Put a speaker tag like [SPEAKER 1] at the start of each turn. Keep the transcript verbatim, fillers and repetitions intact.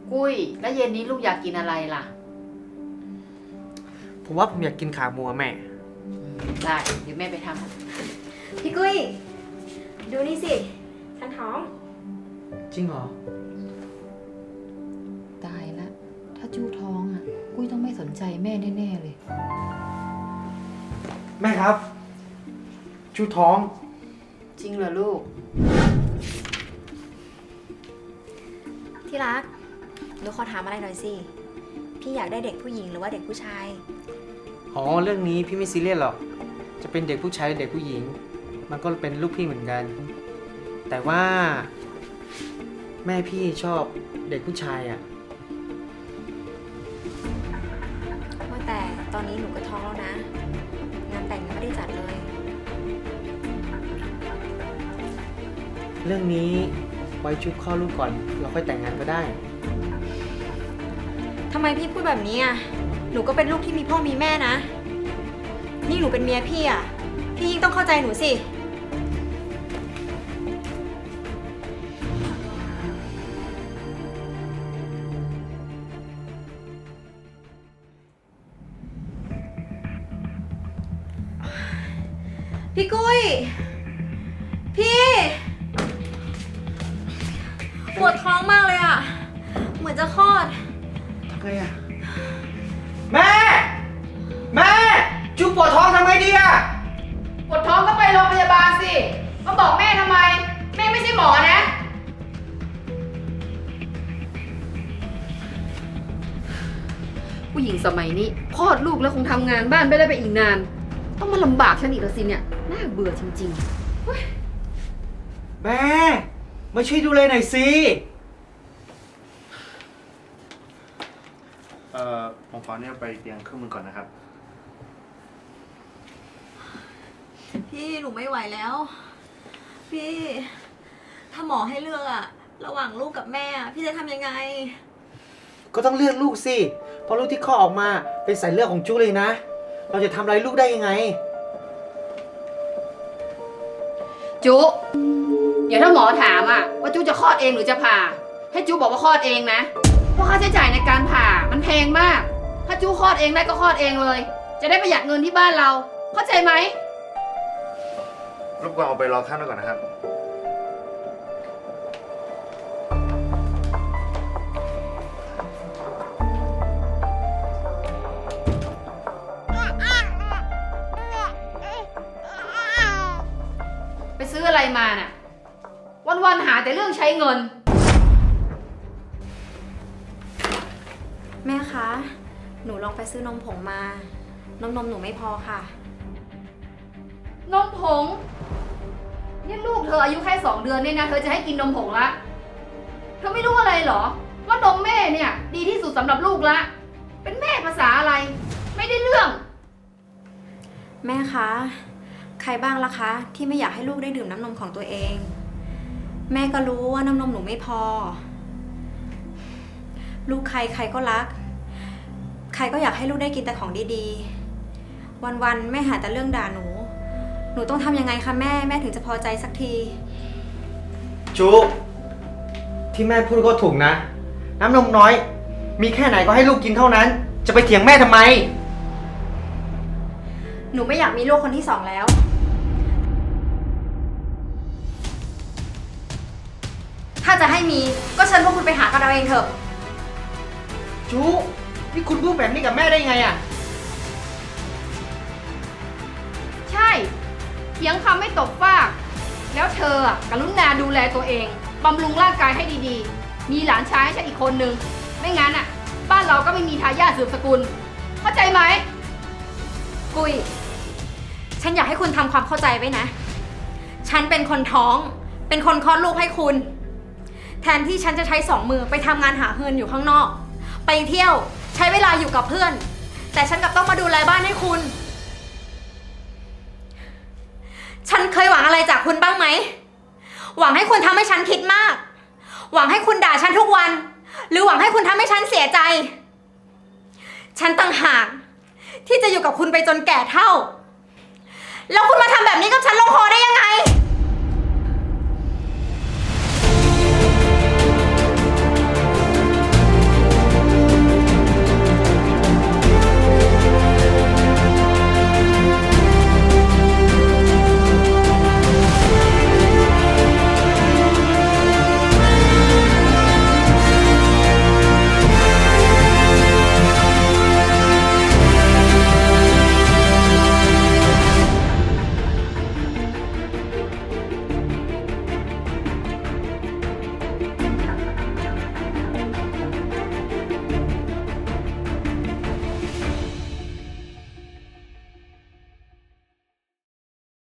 [SPEAKER 1] กุ้ยแล้วเย็นนี้ลูกอยากกินอะไรล่ะ
[SPEAKER 2] ผมว่าผมอยากกินขาหมูอะแม่
[SPEAKER 1] ได้เดี๋ยวแม่ไปทำ
[SPEAKER 3] พี่กุ้ยดูนี่สิฉันท้อง
[SPEAKER 2] จริงเหรอ
[SPEAKER 1] ตายละถ้าจู้ท้องอ่ะกุ้ยต้องไม่สนใจแม่แน่ๆเลย
[SPEAKER 2] แม่ครับชูท้อง
[SPEAKER 1] จริงเหรอลูก
[SPEAKER 3] ที่รักหนูขอถามอะไรหน่อยสิพี่อยากได้เด็กผู้หญิงหรือว่าเด็กผู้ชาย
[SPEAKER 2] อ๋อเรื่องนี้พี่ไม่ซีเรียสหรอกจะเป็นเด็กผู้ชายหรือเด็กผู้หญิงมันก็เป็นลูกพี่เหมือนกันแต่ว่าแม่พี่ชอบเด็กผู้ชายอ่ะ
[SPEAKER 3] ว่าแต่ตอนนี้หนูก็ท้องแล้วนะงานแต่งยังไม่ได้จัดเลย
[SPEAKER 2] เรื่องนี้ไว้ชุบข้อลูกก่อนเราค่อยแต่งงานก็ได้
[SPEAKER 3] ทำไมพี่พูดแบบนี้อ่ะหนูก็เป็นลูกที่มีพ่อมีแม่นะนี่หนูเป็นเมียพี่อ่ะพี่ยิ่งต้องเข้าใจหนูสิพี่กุ้ยพี่ปวดท้องมากเลยอ่ะเหมือนจะคลอด
[SPEAKER 2] ทำไงอ่ะแม่แม่จุ๊บปวดท้องทำไงดีอ่ะ
[SPEAKER 1] ปวดท้องก็ไปโรงพยาบาลสิมาบอกแม่ทำไมแม่ไม่ใช่หมอนะผู้หญิงสมัยนี้คลอดลูกแล้วคงทำงานบ้านไม่ได้ไปอีกนานต้องมาลำบากฉันอีกแล้วสิเนี่ยน่าเบื่อจริง
[SPEAKER 2] ๆแม่มาช่วยดูเลยหน่อยสิ
[SPEAKER 4] เอ่อผมขอเนี่ยไปเตรียมเครื่องมือก่อนนะครับ
[SPEAKER 3] พี่หนูไม่ไหวแล้วพี่ถ้าหมอให้เลือกอะระหว่างลูกกับแม่พี่จะทำยังไง
[SPEAKER 2] ก็ต้องเลือกลูกสิเพราะลูกที่คลอดออกมาเป็นสายเลือดของจุ๊เลยนะเราจะทำอะไรลูกได้ยังไง
[SPEAKER 1] จุเดี๋ยวถ้าหมอถามอะว่าจุจะคลอดเองหรือจะผ่าให้จุบอกว่าคลอดเองนะเพราะค่าใช้จ่ายในการผ่ามันแพงมากถ้าจุคลอดเองได้ก็คลอดเองเลยจะได้ประหยัดเงินที่บ้านเราเข้าใจไหม
[SPEAKER 4] รบกวนเอาไปรอข้างหน้าก่อนนะครับ
[SPEAKER 1] ไปซื้ออะไรมาน่ะวันๆหาแต่เรื่องใช้เงิน
[SPEAKER 3] แม่คะหนูลองไปซื้อนมผงมานมนมหนูไม่พอค่ะ
[SPEAKER 1] นมผงนี่ลูกเธออายุแค่สองเดือนเนี่ยนะเธอจะให้กินนมผงละเธอไม่รู้อะไรเหรอว่านมแม่เนี่ยดีที่สุดสำหรับลูกละเป็นแม่ภาษาอะไรไม่ได้เรื่อง
[SPEAKER 3] แม่คะใครบ้างล่ะคะที่ไม่อยากให้ลูกได้ดื่มน้ำนมของตัวเองแม่ก็รู้ว่าน้ำนมหนูไม่พอลูกใครใครก็รักใครก็อยากให้ลูกได้กินแต่ของดีๆวันๆแม่หาแต่เรื่องด่าหนูหนูต้องทำยังไงคะแม่แม่ถึงจะพอใจสักที
[SPEAKER 2] จุที่แม่พูดก็ถูกนะน้ำนมน้อยมีแค่ไหนก็ให้ลูกกินเท่านั้นจะไปเถียงแม่ทำไม
[SPEAKER 3] หนูไม่อยากมีลูกคนที่สองแล้วถ้าจะให้มีก็เชิญพวกคุณไปหากันเอาเองเถอะ
[SPEAKER 2] จุนี่คุณพูดแบบนี้กับแม่ได้ไงอ่ะ
[SPEAKER 1] ใช่เถียงคำไม่ตกฟากแล้วเธออ่ะกรุณาดูแลตัวเองบำรุงร่างกายให้ดีๆมีหลานชายให้ฉันอีกคนนึงไม่งั้นอ่ะบ้านเราก็ไม่มีทายาทสืบสกุลเข้าใจไหม
[SPEAKER 3] กุยฉันอยากให้คุณทำความเข้าใจไว้นะฉันเป็นคนท้องเป็นคนคลอดลูกให้คุณแทนที่ฉันจะใช้สองมือไปทำงานหาเงินอยู่ข้างนอกไปเที่ยวใช้เวลาอยู่กับเพื่อนแต่ฉันกลับต้องมาดูแลบ้านให้คุณฉันเคยหวังอะไรจากคุณบ้างไหมหวังให้คุณทำให้ฉันคิดมากหวังให้คุณด่าฉันทุกวันหรือหวังให้คุณทำให้ฉันเสียใจฉันต่างหากที่จะอยู่กับคุณไปจนแก่เฒ่าแล้วคุณมาทำแบบนี้กับฉันลงคอได้ยังไง